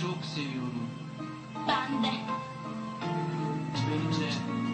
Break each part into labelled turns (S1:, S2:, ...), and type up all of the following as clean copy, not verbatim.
S1: çok seviyorum.
S2: Ben de.
S1: Benim de.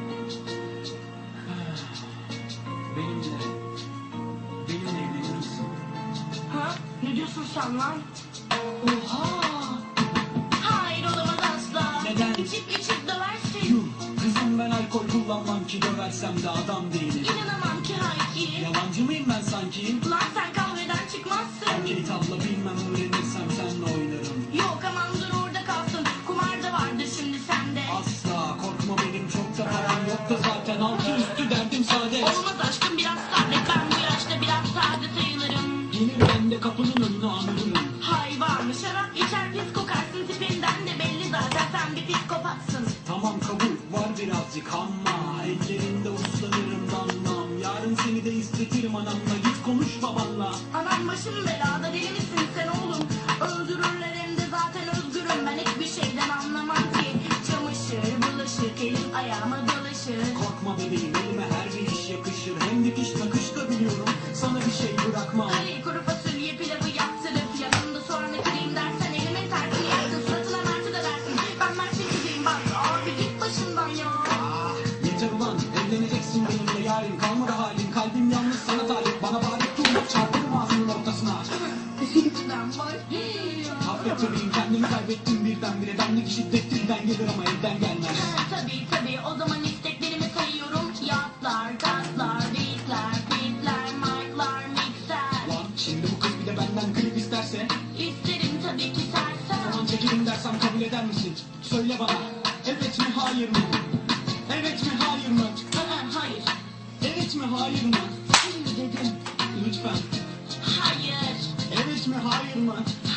S1: Benimle. Benimle evlenir misin?
S2: Ha? Ne diyorsun sen lan?
S1: Oha!
S2: Hayır olamaz asla.
S1: Neden?
S2: İçip döversin.
S1: Yuh! Kızım ben alkol kullanmam ki döversem de adam değilim.
S2: İnanamam ki Hayki.
S1: Yalancı mıyım ben sanki?
S2: Lan sen kahveden çıkmazsın.
S1: Okey tabla bilmem öğrenirsem senle oynarım.
S2: Yok aman dur orada kalsın. Kumar da vardır şimdi sende.
S1: Asla korkma benim çok da param yok da zaten altı üstü derdim saadet.
S2: Olmaz aşkım biraz sabret. Ben bu yaşta biraz sade sayılırım.
S1: Gelir ben de kapının önüne anırırım.
S2: Hayvan şarap içer pis kokarsın. Tipinden de belli zaten sen bir psikopatsın.
S1: Tamam kabul var birazcık ama ellerinde uslanırım damlam. Yarın seni de istetirim anamla, git konuş babanla.
S2: Anam başım belada, deli misin sen oğlum? Öldürürler hem de zaten özgürüm. Ben hiçbir şeyden anlamam ki. Çamaşır, bulaşık, elim ayağıma dolaşır.
S1: Korkma bebeğim elime her bir iş yakışır. Hem dikiş nakış da biliyorum, sana bir şey bırakmam.
S2: Hani kuru fasulye pilavı yaptırıp yanında soğanı kırayım dersen elimin tersini yaksın. Suratına merti de dersin. Ben mertin kızıyım bak abi git başımdan ya.
S1: Ah, yeter ulan evleneceksin benimle yarın. Kalmadı halin kalbim yalnız sana talip. Bana bari dur çarpırım ağzının ortasına.
S2: Ben var.
S1: Affet bebeğim kendimi kaybettim birdenbire. Bendeki şiddet dilden gelir ama elden gelmez.
S2: Tabii o zaman isteklerimi sayıyorum. Yatlar, katlar, beatler, fitler, mic'lar, mixer.
S1: Lan şimdi bu kız bir de benden klip isterse.
S2: İsterim tabii ki sersem.
S1: Tamam çekelim dersem kabul eder misin? Söyle bana evet mi hayır mı? Evet mi hayır mı?
S2: Hayır.
S1: Evet mi hayır mı?
S2: Hayır dedim.
S1: Lütfen.
S2: Hayır.
S1: Evet mi hayır mı?